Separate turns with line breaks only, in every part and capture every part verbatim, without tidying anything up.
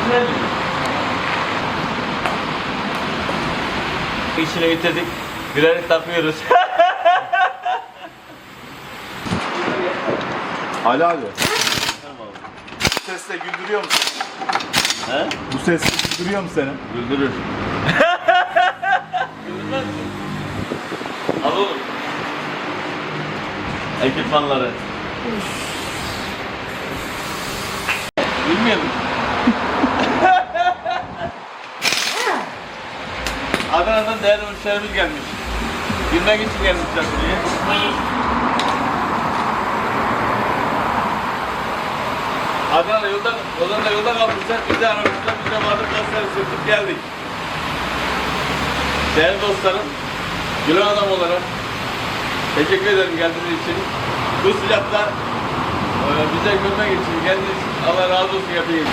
İşini bitirdik. Gülerek takıyoruz.
Ali abi. Bu sesle güldürüyor musun?
He?
Bu sesle güldürüyor mu seni?
Güldürür. Güldürmez mi? Al oğlum. Ekipmanları. Bilmiyor musun? Adana'dan değerli müşterimiz gelmiş. Gülmek için gelmişler buraya. Adana'da yolda, Ozan'da yolda kalmışlar. Bizi aramışlar. Biz de vardık. Gazetleri sürtüp geldik. Değerli dostlarım, gülen adam olarak teşekkür ederim geldiğiniz için. Bu sıcakta e, bize görmek için geldiğiniz için Allah razı olsun yapayım.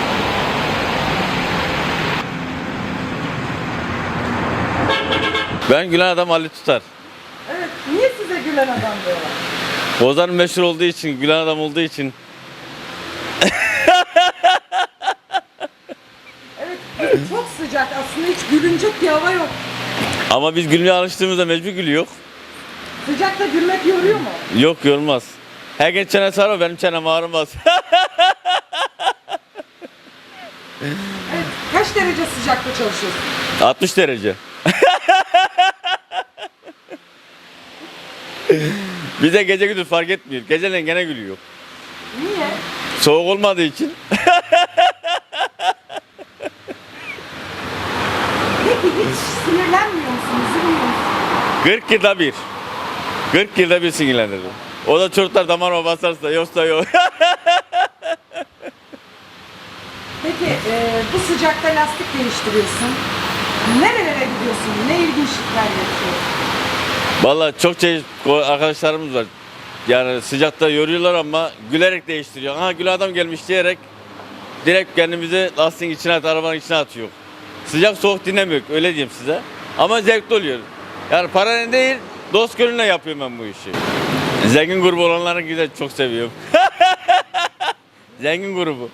Ben gülen adam Ali Tutar.
Evet, niye size gülen adam diyorlar?
Ozan meşhur olduğu için, gülen adam olduğu için.
Evet, çok sıcak aslında, hiç gülünecek bir hava yok.
Ama biz gülmeye alıştığımızda mecbur gülüyor.
Sıcakta gülmek yoruyor mu?
Yok, yorulmaz. Herkes çenesi ağrıyor, benim çenem ağrımaz.
Evet, kaç derece sıcakta çalışıyorsun?
altmış derece. Bize gece gündüz fark etmiyor. Geceleyin gene gülüyor.
Niye?
Soğuk olmadığı için.
Peki hiç sinirlenmiyor musun, üzülmüyor musun?
kırk yılda bir. kırk yılda bir sinirlenirim. O da çocuklar damarıma basarsa, yoksa yok.
Peki e, bu sıcakta lastik değiştiriyorsun. Nerelere gidiyorsun? Ne ilginçlikler yaşıyorsun?
Vallahi çok çeşit arkadaşlarımız var. Yani sıcakta yoruyorlar ama gülerek değiştiriyor. Ha, gül adam gelmiş diyerek direkt kendimizi lastiğin içine at, arabanın içine atıyor. Sıcak soğuk dinlemiyor, öyle diyeyim size. Ama zevkli oluyor. Yani paranın değil, dost gönlüne yapıyorum ben bu işi. Zengin grubu olanları güzel, çok seviyorum. Zengin grubu.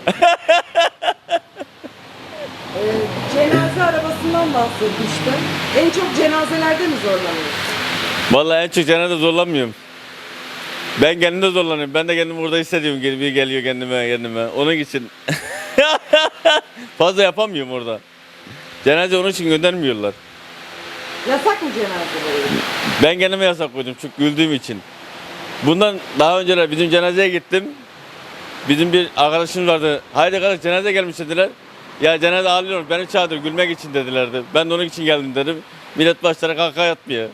E, cenaze arabasından bahsetmiştim. En çok cenazelerde mi zorlanıyorsun?
Vallahi en çok cenazede zorlanmıyorum. Ben kendimde zorlanıyorum. Ben de kendimi burada hissediyorum. Bir geliyor kendime kendime. Onun için fazla yapamıyorum orada. Cenaze onun için göndermiyorlar.
Yasak mı cenazeleri?
Ben kendime yasak koydum çünkü güldüğüm için. Bundan daha önceler bizim cenazeye gittim. Bizim bir arkadaşımız vardı. Haydi kardeş cenaze gelmiş dediler. Ya cenaze ağlıyor, beni çağırdı gülmek için dedilerdi. Ben de onun için geldim dedim. Millet başlara kahkaha atmıyor.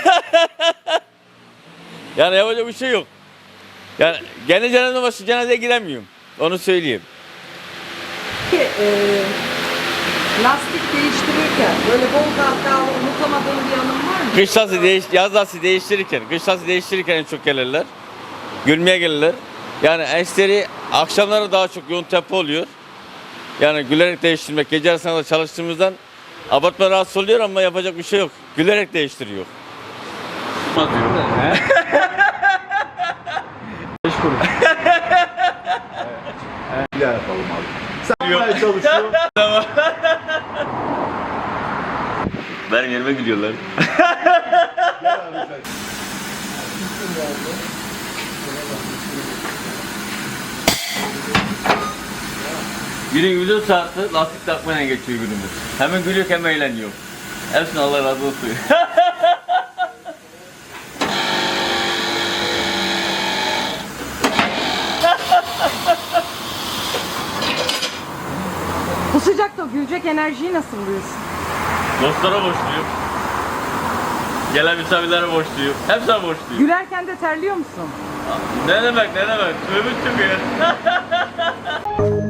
Yani yapacak bir şey yok. Yani kendi cenazeme başı cenazeye giremiyorum. Onu söyleyeyim.
Peki e, lastik değiştirirken böyle bol kahkahalı unutamadığın bir anın var mı?
Kış lastiği değiş, yaz lastiği değiştirirken, kış lastiği değiştirirken en çok gelirler. Gülmeye gelirler. Yani eşleri akşamları daha çok yoğun tempo oluyor. Yani gülerek değiştirmek, gece arasında da çalıştığımızdan abartma rahatsız oluyor ama yapacak bir şey yok. Gülerek değiştiriyor.
Beş kuruş. Bir daha yapalım abi. Sen yapmaya çalışıyorsun.
Benim yerime gülüyorlar. Günün güzel saati lastik takmayla geçiyor günümüz. Hemen gülüyor hem eğleniyor. Hepsine Allah razı olsun.
Bu sıcakta gülecek enerjiyi nasıl buluyorsun?
Dostlara borçluyum. Gelen misafirlere borçluyum. Hepsine borçluyum.
Gülerken de terliyor musun?
Ne demek ne demek? Tövbe tövbe.